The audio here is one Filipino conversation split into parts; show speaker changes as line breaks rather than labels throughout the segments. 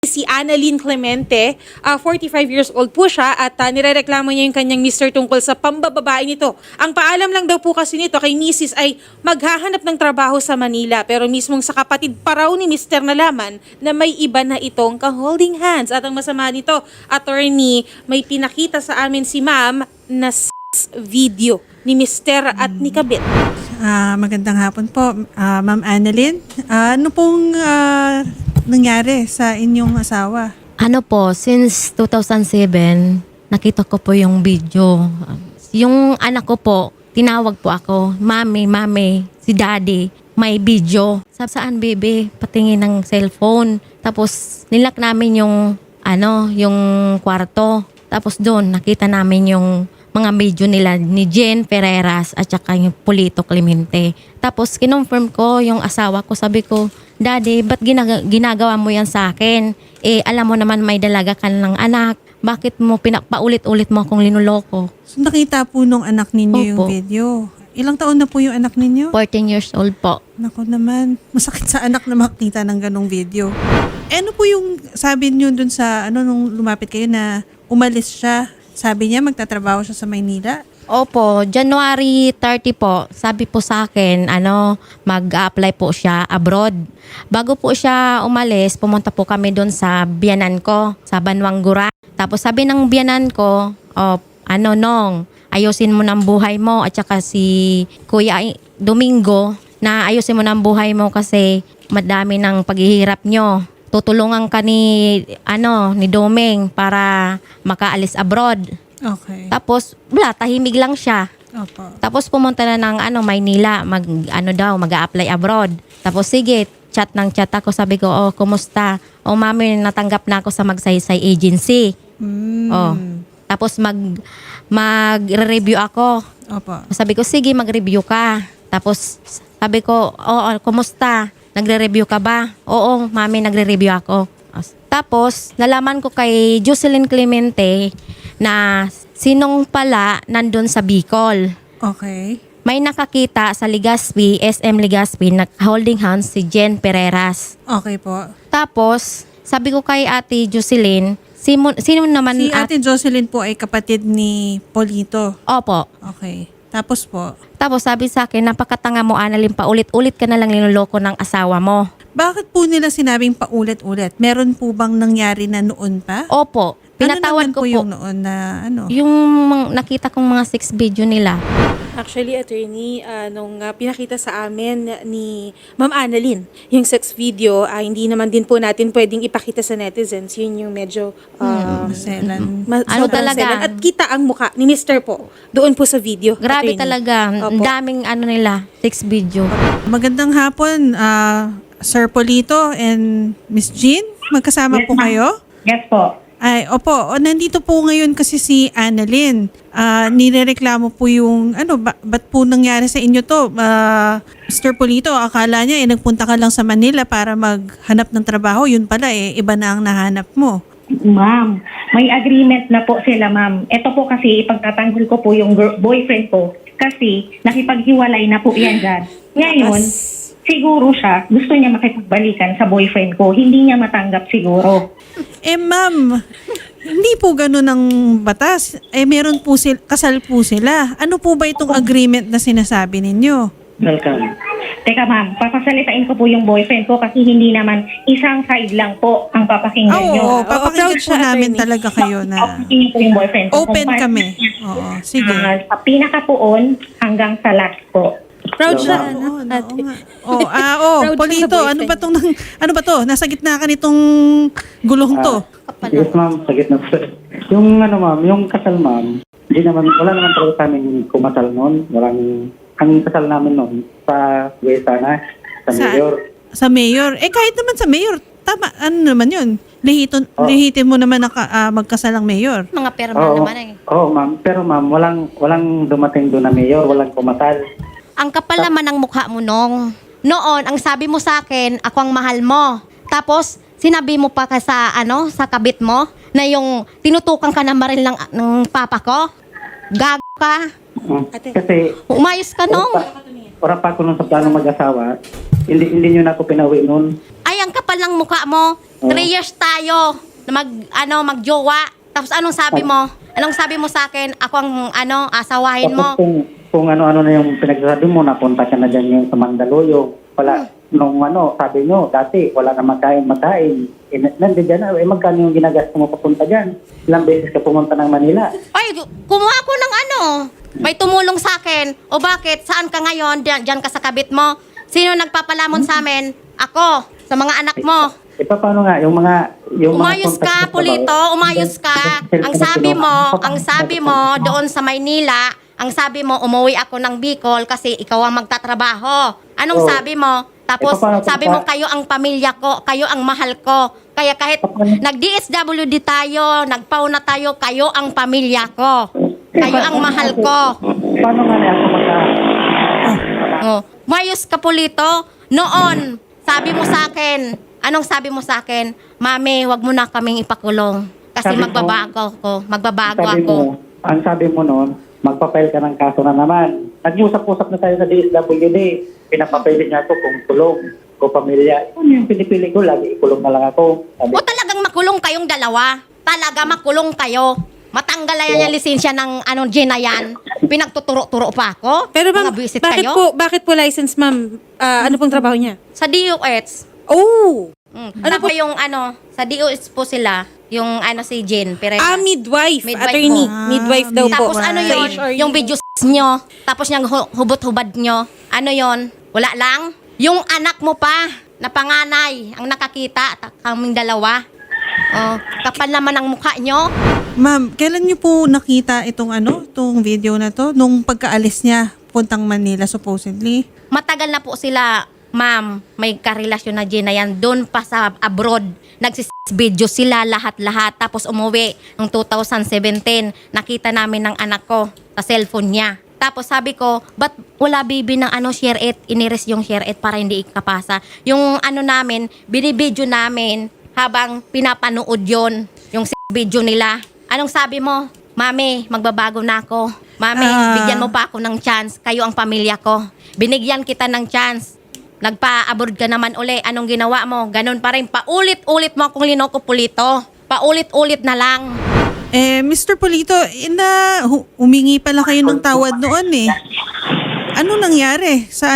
Si Annalyn Clemente, 45 years old po siya at nirereklamo niya yung kanyang mister tungkol sa pambababae nito. Ang paalam lang daw po kasi nito kay Mrs. ay maghahanap ng trabaho sa Manila pero mismong sa kapatid pa raw ni Mr. nalaman na may iba na itong ka-holding hands. At ang masama nito, attorney, may pinakita sa amin si ma'am na video ni Mr. at ni Kabit.
Magandang hapon po, Ma'am Annalyn. Ano pong nangyari sa inyong asawa?
Ano po, since 2007, nakita ko po yung video. Yung anak ko po, tinawag po ako, Mami, si Daddy, may video. Saan, bebe? Patingin ng cellphone. Tapos, nilak namin yung kwarto. Tapos doon, nakita namin yung mga video nila ni Jen Ferreras at saka yung Polito Clemente. Tapos kinonfirm ko yung asawa ko, sabi ko, Daddy, ba't ginagawa mo yan sa akin? Alam mo naman may dalaga ka ng anak. Bakit mo paulit-ulit mo akong linuloko?
So, nakita po nung anak ninyo yung
Opo.
video. Ilang taon na po yung anak ninyo?
14 years old po.
Naku naman, masakit sa anak na makita ng ganong video. Ano po yung sabi niyo dun sa, nung lumapit kayo na umalis siya? Sabi niya magtatrabaho siya sa Maynila?
Opo, January 30 po, sabi po sa akin, mag-apply po siya abroad. Bago po siya umalis, pumunta po kami doon sa biyanan ko, sa Banwangura. Tapos sabi ng biyanan ko, Nong, ayusin mo ng buhay mo at saka si Kuya Domingo na ayusin mo ng buhay mo kasi madami ng paghihirap nyo. Tutulungan ka ni Doming para makaalis abroad.
Okay.
Tapos, tahimig lang siya.
Opo.
Tapos pumunta na ng Maynila, mag-a-apply abroad. Tapos sige, chat ako, sabi ko, kumusta? Mami, natanggap na ako sa Magsaysay Agency. Tapos mag-review ako.
Opo.
Sabi ko, sige, mag-review ka. Tapos sabi ko, kumusta? Nagre-review ka ba? Oo, mami, nagre-review ako. Tapos, nalaman ko kay Jocelyn Clemente na sinong pala nandun sa Bicol.
Okay.
May nakakita sa Legazpi, SM Legazpi, holding hands si Jen Ferreras.
Okay po.
Tapos, sabi ko kay Ate Jocelyn, sino naman
Si Ate Jocelyn po ay kapatid ni Polito.
Opo.
Okay. Tapos po,
Tapos sabi sa akin, napakatanga mo, Annalyn, paulit-ulit ka na lang niloloko ng asawa mo.
bakit po nila sinabing paulit-ulit? Meron po bang nangyari na noon pa?
Opo. Pinatawad
ano naman
ko po.
Yung noon na
Yung nakita kong mga 6 video nila.
Actually, attorney, nung pinakita sa amin ni Ma'am Annalyn, yung sex video, hindi naman din po natin pwedeng ipakita sa netizens. Yun yung medyo
maselan.
sobrang
talaga?
selan. At kita ang muka ni Mr. po doon po sa video.
Grabe
attorney.
talaga. Ang
Opo.
daming nila, 6 video.
Magandang hapon, Sir Polito and Miss Jean. Magkasama
Yes,
po
ma'am.
kayo?
Yes po.
Ay, opo. Nandito po ngayon kasi si Annalyn. Nirereklamo po yung, ba't po nangyari sa inyo to? Mr. Polito, akala niya, nagpunta ka lang sa Manila para maghanap ng trabaho. Yun pala, iba na ang nahanap mo.
Ma'am, may agreement na po sila, ma'am. Ito po kasi ipagtatanggol ko po yung boyfriend ko kasi nakipaghiwalay na po yan dyan. Ngayon, siguro siya, gusto niya makipagbalikan sa boyfriend ko. Hindi niya matanggap siguro.
Ma'am, hindi po ganun ang batas. Meron po kasal po sila. Ano po ba itong agreement na sinasabi ninyo?
Welcome. Teka ma'am, papasalitain ko po yung boyfriend ko kasi hindi naman isang side lang po ang papakinggan niyo.
Oo, papakinggan
proud
po
siya,
namin
attorney.
talaga kayo na
Papakinggan ko yung boyfriend ko.
open
Kung
kami.
paano-
Oo, sige.
Sa pinakapuon hanggang sa last po.
Proud siya.
Oo,
ate.
oo nga.
Proud siya
Polito,
sa
ano ba
boyfriend
ano ba to? Nasa gitna ka nitong gulong to.
Yes, ma'am. Sa gitna po. Yung ma'am, yung kasal, ma'am, wala naman talaga kami kumasal noon. Ang kasal namin noon sa Guesana, sa Mayor.
Sa mayor. Kahit naman sa mayor, tama, ano naman yun? Lihitin mo naman na magkasal ang mayor.
Mga perma naman
Oo, ma'am. Pero ma'am, walang dumating doon na Mayor, walang kumasal.
Ang kapal naman ng mukha mo noon, ang sabi mo sa akin, ako ang mahal mo. Tapos, sinabi mo pa sa kabit mo, na yung tinutukan ka ng baril ng papa ko. Gago ka.
Kasi,
Umayos ka nung.
para pa ako nung sa plano mag-asawa, hindi nyo na ako pinauwi noon.
Ay, ang kapal ng mukha mo. 3 years tayo na magjowa. Tapos anong sabi mo? Anong sabi mo sa akin? Ako ang asawahin mo.
Tapos kung ano-ano na yung pinagsasabi mo, napunta ka na dyan yung sa Mandaluyong. Wala, nung sabi nyo, dati, wala na magkain. Nandiyan dyan na, magkano yung ginagastos mo papunta dyan? Ilang beses ka pumunta ng Manila?
Ay, kumuha ko ng may tumulong sa akin. O bakit? Saan ka ngayon? Diyan ka sa kabit mo? Sino nagpapalamon sa amin? Ako, sa mga anak mo.
Paano nga, yung
Umayos ka, Pulito, umayos ka. Ang sabi mo doon sa Maynila, ang sabi mo, umuwi ako ng Bicol kasi ikaw ang magtatrabaho. Anong sabi mo? Tapos sabi mo, kayo ang pamilya ko, kayo ang mahal ko. Kaya kahit nag-DSWD tayo, nagpau na tayo, kayo ang pamilya ko. Kayo ang mahal ko.
Paano nga niya ako
Umayos ka, Pulito. Noon, sabi mo sa akin, anong sabi mo sa akin? Mami, wag mo na kaming ipakulong. Kasi magbabago ako.
Ang sabi mo noon, magpapail ka ng kaso na naman. Nag-usap-usap na tayo sa DSWD. Pinapapilit niya ako kung tulong, kung pamilya. Ano yung pinipili ko? Lagi ikulong na lang ako. Sabi,
O talagang makulong kayong dalawa? Talaga makulong kayo? Matanggal na yan yung lisensya ng Gina yan? Pinagtuturo-turo pa ako?
Pero ma'am,
Mga visit kayo?
bakit po license, ma'am? Ano pong trabaho niya?
Sa DOS.
Oh!
Ano po yung sa DOS po sila, yung si Jen Perez.
Midwife,
Midwife
attorney.
po.
Midwife daw po.
Tapos ano
Sa
yun,
HRU.
yung video nyo, tapos yung hubot-hubad nyo, ano yun, wala lang. Yung anak mo pa, na panganay, ang nakakita, kaming dalawa. Oh, kapal naman ang mukha nyo.
Ma'am, kailan niyo po nakita itong video na to? Nung pagkaalis niya, puntang Manila supposedly?
Matagal na po sila, ma'am, may karelasyon na Gina yan, doon pa sa abroad. Nagsis-video sila lahat-lahat, tapos umuwi ng 2017. Nakita namin ng anak ko sa cellphone niya. Tapos sabi ko, ba't wala baby ng share it? Iniris yung share it para hindi ikapasa. Yung namin, binibidyo namin habang pinapanood yon yung video nila. Anong sabi mo? Mami, magbabago na ako. Mami, bigyan mo pa ako ng chance. Kayo ang pamilya ko. Binigyan kita ng chance. Nagpa-abroad ka naman uli. Anong ginawa mo? Ganun pa rin. Paulit-ulit mo akong linoko, Pulito. Paulit-ulit na lang.
Mr. Pulito, humingi pala kayo ng tawad noon eh. Ano nangyari sa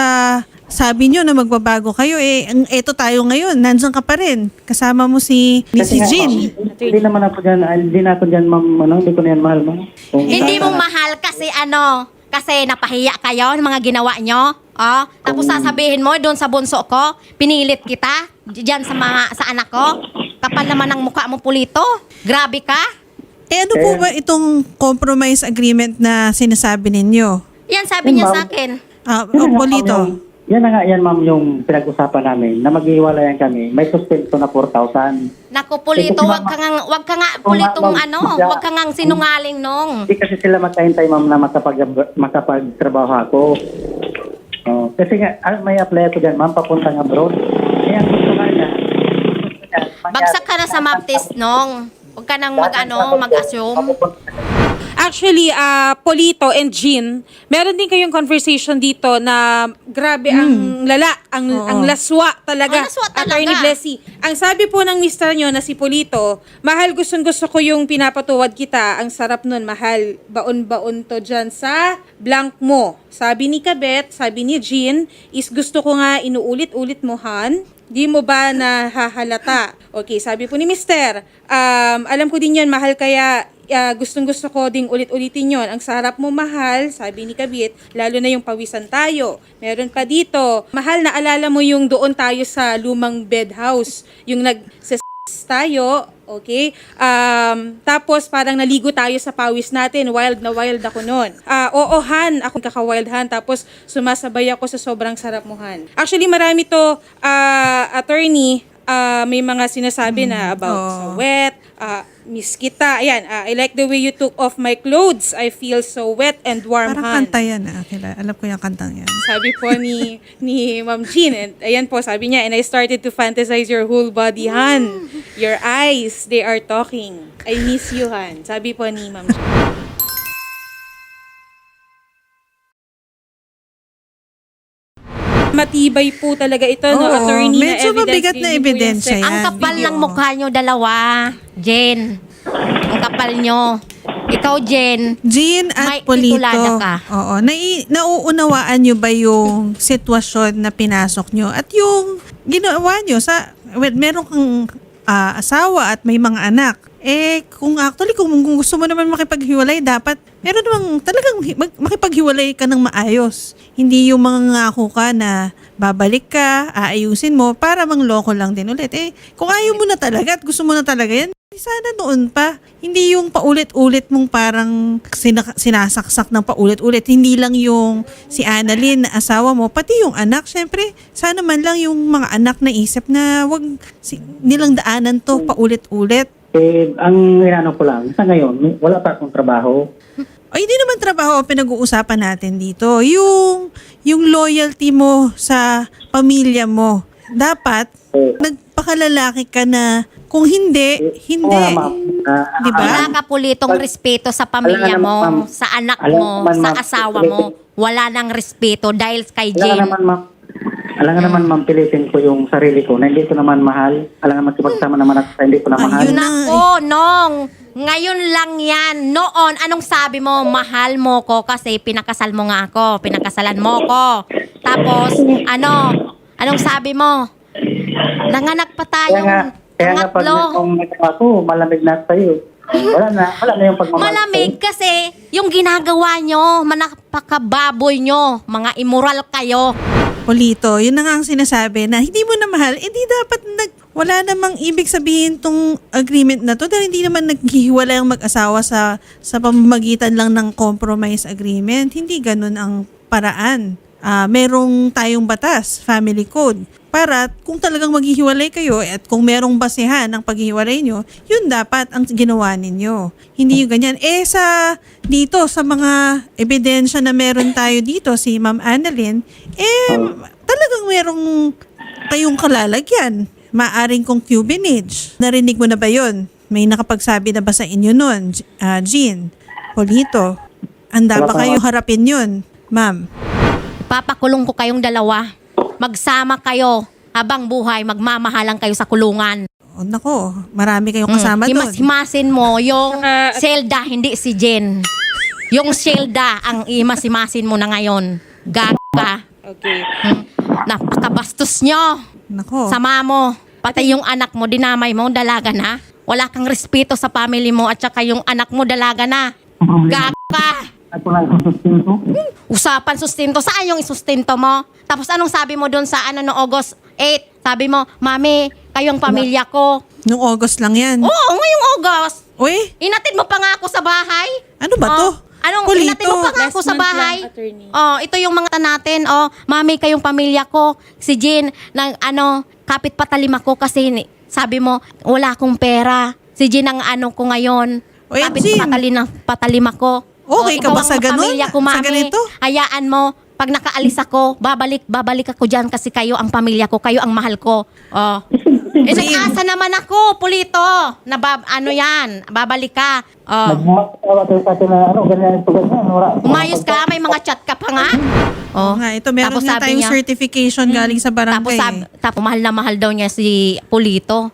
sabi nyo na magbabago kayo eto tayo ngayon, nandiyan ka pa rin. Kasama mo si Jean.
Hindi naman ako dyan, hindi na ako dyan, ma'am, hindi ko na yan mahal, ma'am.
Hindi mo mahal kasi kasi napahiya kayo ng mga ginawa nyo. Tapos sasabihin mo doon sa bunso ko, pinilit kita diyan sa anak ko. Kapal naman ang mukha mo, Pulito. Grabe ka.
Ano po ba itong compromise agreement na sinasabi ninyo?
Yan sabi niya sa akin.
Pulito.
Yan na nga yan, ma'am, yung pinag-usapan namin na maghiwalayan kami. May suspenso na 4,000.
Naku, Pulito, wag ka nga Pulitong wag ka nga sinungaling nung.
Hindi kasi sila magkahintay, ma'am, na makapagtrabaho ako. Kasi nga, may apply ako dyan, ma'am, papuntang abroad. Kaya gusto nga niya.
Bagsak ka na sa map test nung. Huwag ka nang mag-assume.
Actually, Polito and Jean, meron din kayong conversation dito na grabe ang lala, ang laswa talaga.
Ang laswa talaga.
Attorney Blessy. Ang sabi po ng mister nyo na si Polito, mahal, gustong-gusto ko yung pinapatuwad kita. Ang sarap nun, mahal. Baon-baon to dyan sa blank mo. Sabi ni Kabet, sabi ni Jean, is gusto ko nga inuulit-ulit mo, Han. Di mo ba nahahalata? Okay, sabi po ni mister, alam ko din yun, mahal, kaya gustong-gusto ko ding ulit-ulitin yon. Ang sarap mo, mahal, sabi ni Kabit, lalo na yung pawisan tayo. Meron pa dito, mahal, naalala mo yung doon tayo sa lumang bed house, yung tayo, okay? Tapos parang naligo tayo sa pawis natin, wild na wild ako noon. Oo, Han, ako kaka-wild, Han, tapos sumasabay ako sa sobrang sarap mo, Han. Actually, marami to, attorney, may mga sinasabi na about sa wet, miss kita. Ayan, I like the way you took off my clothes. I feel so wet and warm,
Parang
Han.
kanta yan. Alam ko yung kantang yan.
Sabi po ni Ma'am Jean, and ayan po, sabi niya, and I started to fantasize your whole body, Han. Your eyes, they are talking. I miss you, Han. Sabi po ni Ma'am Jean. matibay po talaga ito, no,
Oo,
attorney, na
medyo
evidence.
mabigat na
Yun yung po
ebidensya
yung
yan.
Ang kapal
video.
ng mukha nyo dalawa, Jen. Ang kapal nyo. Ikaw, Jen.
Jean
May
at Polito,
titulada ka.
oo, nauunawaan nyo ba yung sitwasyon na pinasok nyo at yung ginawa nyo sa, meron kang asawa at may mga anak. Kung gusto mo naman makipaghiwalay, dapat meron namang talagang makipaghiwalay ka ng maayos. Hindi yung mga ngako ka na babalik ka, aayusin mo para mangloko lang din ulit. Kung ayaw mo na talaga at gusto mo na talaga yan, sana noon pa. Hindi yung paulit-ulit mong parang sinasaksak ng paulit-ulit. Hindi lang yung si Annalyn na asawa mo, pati yung anak. Syempre, sana man lang yung mga anak na isip na wag nilang daanan to paulit-ulit.
Ang inano ko lang, sa ngayon, wala pa akong trabaho.
Ay, hindi naman trabaho ang pinag-uusapan natin dito. Yung loyalty mo sa pamilya mo. Dapat, nagpakalalaki ka na kung hindi. Di ba?
Wala ka pulitong respeto sa pamilya
Alam
mo,
naman, ma'am.
sa anak
Alam
mo,
naman,
sa
ma'am.
asawa mo. Wala nang respeto dahil kay Jen.
Alam nga naman, ma'am, pilitin ko yung sarili ko na hindi ko naman mahal. Alam nga makipagsama naman ako sa hindi ko na mahal.
Ayun na.
Nako, Nong. Ngayon lang yan. Noon, anong sabi mo? Mahal mo ko kasi pinakasal mo nga ako. Pinakasalan mo ko. Tapos, anong sabi mo? Nanganak pa
Kaya nga
tayong
pag
pangatlo.
nagkakawa ko, malamig na sa'yo. Wala na yung pagmamahal.
Malamig kasi yung ginagawa nyo, manapakababoy nyo, mga immoral kayo.
Polito, yun na nga ang sinasabi na hindi mo na mahal, hindi dapat wala namang ibig sabihin tong agreement na to dahil hindi naman naghihiwalay ang mag-asawa sa pamamagitan lang ng compromise agreement. Hindi ganun ang paraan. Merong tayong batas, family code, para kung talagang maghihiwalay kayo at kung merong basehan ang paghihiwalay nyo, yun dapat ang ginawa ninyo. Hindi yung ganyan. Dito sa mga ebidensya na meron tayo dito, si Ma'am Annalyn, talagang merong kayong kalalagyan. Maaring concubinage. Narinig mo na ba yun? May nakapagsabi na ba sa inyo nun, Jean, Polito? Handa ba kayo harapin yun, ma'am?
Papakulong ko kayong dalawa. Magsama kayo habang buhay, magmamahalan kayo sa kulungan.
Nako, marami kayong kasama doon.
Himas-himasin mo yung
Saka-
Zelda, hindi si Jen. Yung Zelda ang himas-himasin mo na ngayon. Gaga.
Okay.
Napakabastos nyo.
Nako.
Sama mo. Pati yung anak mo, dinamay mo, dalaga na. Wala kang respeto sa family mo at saka yung anak mo, dalaga na. Gaga.
Ako lang sustinto.
Usapan sustento. Saan yung isustento mo? Tapos anong sabi mo doon sa no August 8? Sabi mo, Mami, kayong pamilya ko.
Noong August lang yan.
Oo, ngayong August.
Uy,
Inatid mo pa nga ako sa bahay.
ano ba to?
Anong
Polito.
inatid mo pa nga ako
Last
sa
month
bahay?
lang, attorney.
Ito yung mga natin. Mami, kayong pamilya ko. Si Jean, kapit patalim ako kasi sabi mo, wala akong pera. Si Jean ang ko ngayon.
Uy,
Kapit
Jean.
patalim ako.
Okay ka
ikaw
ba sa
ang
ganun?
pamilya ko,
Sa
Mami.
ganito?
Hayaan mo. Pag nakaalis ako, babalik ako dyan kasi kayo ang pamilya ko, kayo ang mahal ko. Nag-asa naman ako, Polito. Yan, babalik ka.
Magmatawa tayo sa atin na ganyan ito, ganyan.
Umayos ka, may mga chat ka pa nga.
Oo nga, ito meron
Tapos
nga
sabi
tayong
niya,
certification galing sa barangay.
Tapos mahal na mahal daw niya si Polito.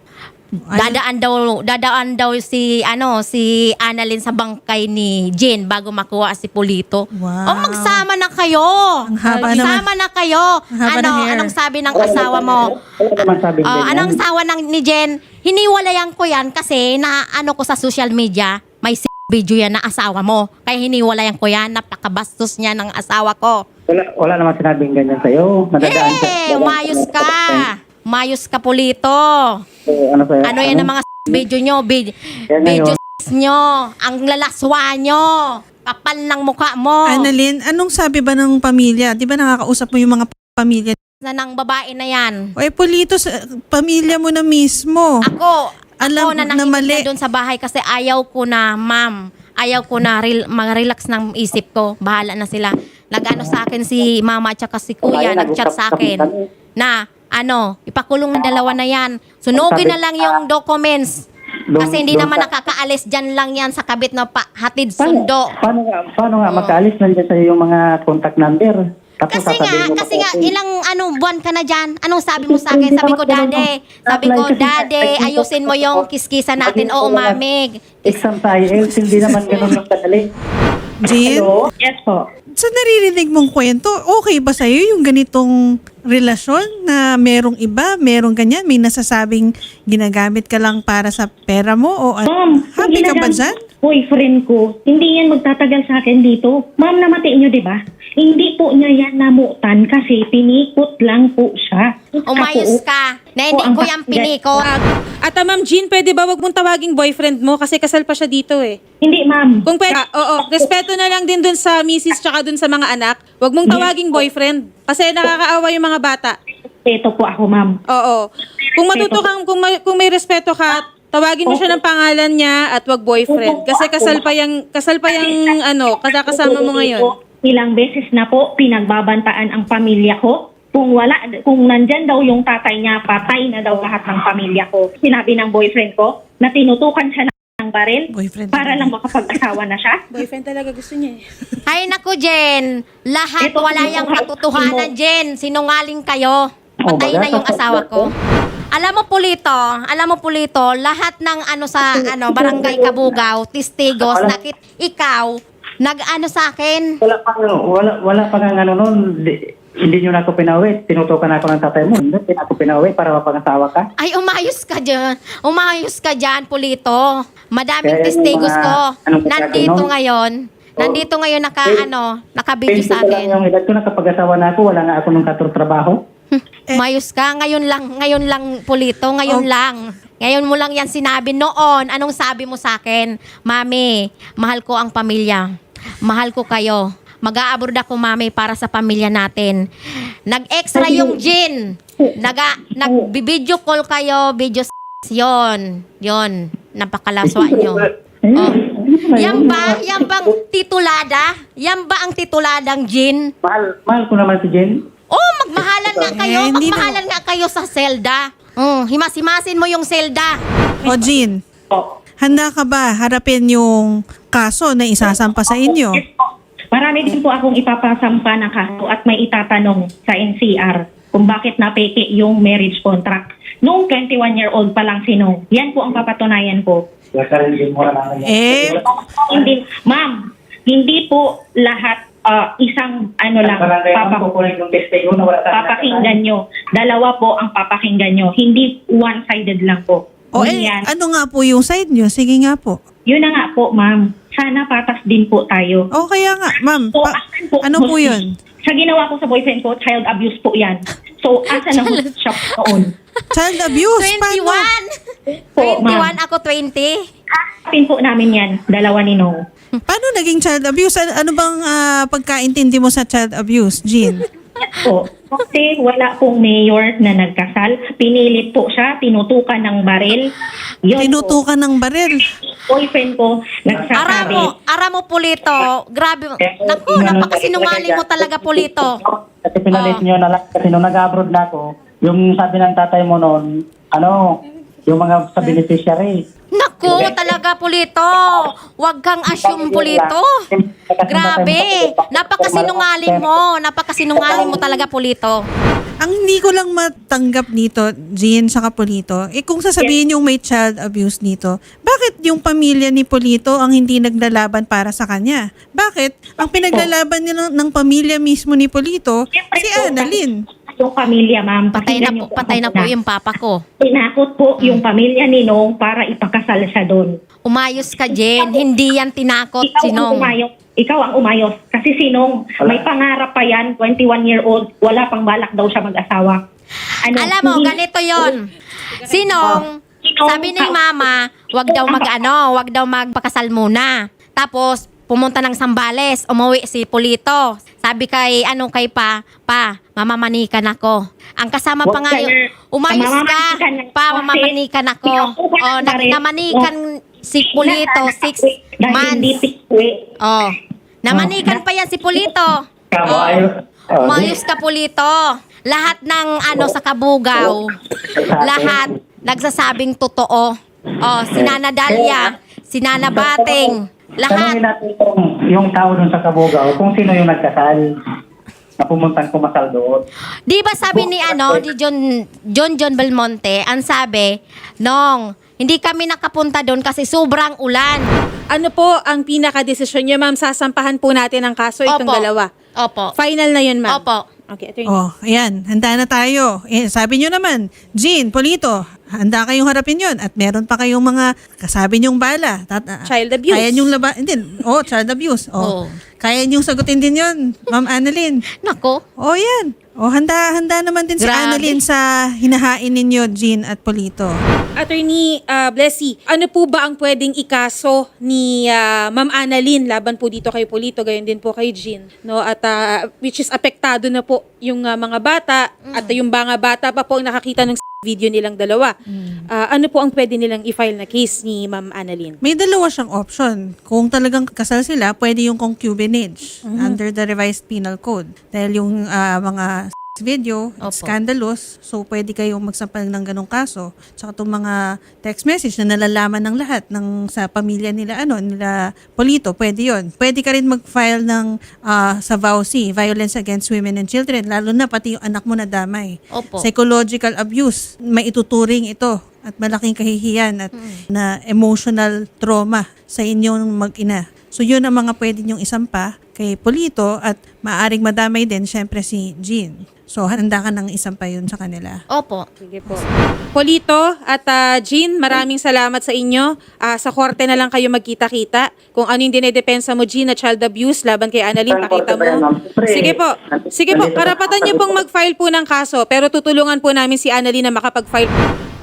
Dadaan daw si Annalyn sa bangkay ni Jen bago makuha si Polito.
Wow.
Magsama na kayo.
Ang haba naman.
Magsama na kayo.
Ang haba ng hair.
Anong sabi ng asawa mo?
Wala naman sabi ganyan.
Anong asawa ni Jen? Hiniwalayan ko yan kasi ko sa social media, may video yan na asawa mo. Kaya hiniwalayan ko yan, napakabastos niya ng asawa ko.
Wala naman sinabing ganyan sa'yo. Nadadaan siya.
Umayos ka. Umayos ka, Polito.
Ano sa'yo?
Ano yan ang mga video nyo?
Yan na
Video
yun.
nyo. Ang lalaswa nyo. Kapal ng mukha mo.
Annalyn, anong sabi ba ng pamilya? Di ba nakakausap mo yung mga pamilya?
Na ng babae na yan.
Oy, Polito, pamilya mo na mismo.
Ako
Alam
na
na
nakinig
mali.
na doon sa bahay kasi ayaw ko na, ma'am. Ayaw ko na mag-relax ng isip ko. Bahala na sila. Nag-ano sa akin si mama at saka si kuya. Nag-chat sa akin na ipakulong na dalawa na yan. Sunugin na lang yung documents. Kasi hindi naman nakakaalis dyan lang yan sa kabit na hatid sundo.
Paano nga makaalis nandiyan sa'yo yung mga contact number? Tapos
Kasi
sasabihin mo
nga,
okay.
ilang buwan ka na dyan. Anong sabi mo sa akin? Sabi ko, Dade, ayusin mo yung kiskisa natin. Oo, mami.
Exam sa IELTS, hindi naman ganun yung kadali.
Jean,
Hello? Yes po.
sa naririnig mong kwento, okay ba sa'yo yung ganitong relasyon na merong iba, merong ganyan, may nasasabing ginagamit ka lang para sa pera mo o
Ma'am,
happy ka ba
ginagamit
dyan?
boyfriend ko, hindi yan magtatagal sa akin dito. Ma'am, namati nyo, di ba? Hindi po niya yan namutan kasi pinikot lang po siya.
Umayos ka. Na hindi ko yung pinikot.
At Ma'am Jean, pwede ba wag mong tawaging boyfriend mo kasi kasal pa siya dito eh.
Hindi, ma'am.
Kung pwede, respeto na lang din dun sa misis tsaka dun sa mga anak. Wag mong tawaging boyfriend kasi nakakaawa yung mga bata.
Ito po ako, ma'am.
Oo. Kung matuto kang, kung may respeto ka, tawagin mo siya ng pangalan niya at wag boyfriend. Kasi kasal pa yung kasama mo ngayon.
Ilang beses na po pinagbabantaan ang pamilya ko. Kung nandyan daw yung tatay niya, patay na daw lahat ng pamilya ko. Sinabi ng boyfriend ko na tinutukan siya ng baril
Boyfriend
para
talaga.
lang makapag-asawa na siya.
Boyfriend talaga gusto niya eh.
Ay, naku, Jen. Lahat
Ito,
wala yung katotohanan, Jen. Sinungaling kayo. Patay
baga,
na yung asawa ko. Alam mo, Pulito, lahat ng barangay Kabugao, testigos, ikaw, nag-ano sa akin.
Wala pa nga ano nun. Hindi nyo na ako pinauwi. Tinutukan ako ng tatay mo. Hindi na ako pinauwi para mapangasawa ka.
Ay, umayos ka dyan. Umayos ka dyan, Pulito. Madaming
Kaya yung
testigos
mga-
ko.
anong
Nandito
gagawin?
ngayon. Nandito ngayon naka-video sa
20 pa lang
akin.
yung edad ko, nakapag-asawa na ako. Wala nga ako nung katrabaho.
Umayos ka. Ngayon lang, Pulito. Ngayon lang. Ngayon mo lang yan sinabi. Noon, anong sabi mo sa akin? Mami, mahal ko ang pamilya. Mahal ko kayo. Mag-a-abroad ako, mami, para sa pamilya natin. Nag-extra yung Jin. Nag-video call kayo, yon. Napakalaswa nyo. Oh. Yan bang titulada? Yan ba ang tituladang Jin?
Mahal ko naman si Jen.
Oh, magmahalan nga kayo.
Eh, hindi
Magmahalan nga kayo sa selda. Himas-himasin mo yung selda.
O Jean,
Oh.
handa ka ba harapin yung kaso na isasampa sa inyo?
Yes po. Marami din po akong ipapasampa ng kaso at may itatanong sa NCR kung bakit napeke yung marriage contract. Noong 21-year-old pa lang sinong. Yan po ang papatunayan ko.
Eh,
Hindi, ma'am, hindi po lahat isang lang, papakinggan nyo. Dalawa po ang papakinggan nyo. Hindi one-sided lang po.
o
Yan.
ano nga po yung side nyo? Sige nga po.
Yun na nga po, ma'am. Sana patas din po tayo.
O kaya nga, ma'am,
So, asan po
ano po yun?
Sa ginawa ko sa boyfriend ko, child abuse po yan. So, asan ang siya noon?
Child abuse? Paano?
21.
Po, ma'am.
21, ako 20.
Hanapin po namin yan, dalawa ni Nong.
Paano naging child abuse? Ano bang pagkaintindi mo sa child abuse, Jean?
Po. Kasi wala pong mayor na nagkasal. Pinilit po siya, tinutukan ng baril. Yun
Tinutukan ng baril.
po, boyfriend ko, nagsasabi.
Ara mo, Pulito. Grabe. Naku, napakasinungaling mo talaga, Pulito.
Kasi pinalit nyo na lang. Kasi nung nag-abroad na ako, yung sabi ng tatay mo noon, yung mga sa beneficiary.
Naku, talaga, Pulito. Huwag kang assume, Pulito. Grabe. Napakasinungaling mo. Napakasinungaling mo talaga, Pulito.
Ang hindi ko lang matanggap nito, Jean sa Polito, kung sasabihin yung may child abuse nito, bakit yung pamilya ni Polito ang hindi naglalaban para sa kanya? Bakit? Ang pinaglalaban niya ng pamilya mismo ni Polito, si Annalyn.
Yung pamilya, ma'am.
Patay na po yung papa ko.
Tinakot po yung pamilya ni Nong para ipakasal siya doon.
Umayos ka, Jen. Hindi yan tinakot, Sinong.
Ikaw ang umayos. Kasi sinong may pangarap pa yan, 21-year-old, wala pang balak daw siya mag-asawa.
Alam mo, ganito yon. Sinong, sabi ni mama, wag daw magpakasal muna. Tapos, pumunta ng Sambales, umuwi si Pulito. Sabi kay pa, mamamanikan ako. Ang kasama pa nga yung, umayos ka, mamamanikan ako. O, namanikan si Pulito, 6 months. Oh, namanikan pa yan si Pulito. Umayos ka, Pulito. Lahat ng sa Kabugao, lahat nagsasabing totoo. Oh, si Nana Dalia, si Nana Bating, lahat.
Tanungin natin yung tao dun sa Kabugao kung sino yung nagkasal. na pumuntang kumasal doon.
Di ba sabi ni ni John Belmonte, ang sabi, Nong, hindi kami nakapunta doon kasi sobrang ulan.
Ano po ang pinaka-desisyon niyo, ma'am? Sasampahan po natin ang kaso itong
Opo.
dalawa.
Opo.
Final na yun, ma'am.
Opo.
Okay, attorney.
Oh, ayan, handa na tayo. Sabi nyo naman, Jean, Polito, handa kayong harapin yon at meron pa kayong mga kasabi nyong bala.
Child abuse.
Kaya nyong child abuse.
Oo.
Kaya nyong sagutin din yon, Ma'am Annalyn.
Nako.
Oh, yan. Oh, handa naman din si
Grabe.
Annalyn sa hinahain ninyo, Jean at Polito.
Attorney Blessy, ano po ba ang pwedeng ikaso ni Ma'am Annalyn laban po dito kay Polito, gayon din po kay Jean, no? At which is apektado na po yung mga bata at yung mga bata pa po ang nakakita ng video nilang dalawa. Ano po ang pwede nilang i-file na case ni Ma'am Annalyn?
May dalawa siyang option. Kung talagang kasal sila, pwede yung concubinage under the revised penal code. Dahil yung mga video,
Opo.
scandalous, so pwede kayong magsampal ng ganong kaso. Tsaka itong mga text message na nalalaman ng lahat sa pamilya nila, nila Polito, pwede yon. Pwede ka rin mag-file ng sa VAUC, Violence Against Women and Children, lalo na pati yung anak mo na damay.
Opo.
Psychological abuse, may ituturing ito at malaking kahihiyan at na emotional trauma sa inyong mag-ina. So yun ang mga pwede nyong isampa kay Polito at maaring madamay din syempre si Jean. So handa ka ng isampa yun sa kanila.
Opo.
Sige po. Polito at Jean, maraming salamat sa inyo. Sa korte na lang kayo magkita-kita. Kung ano yung dinedepensa mo, Jean, na child abuse laban kay Annalyn, pakita mo. Sige po. Sige po, karapatan niyo pong mag-file po ng kaso, pero tutulungan po namin si Annalyn na makapag-file.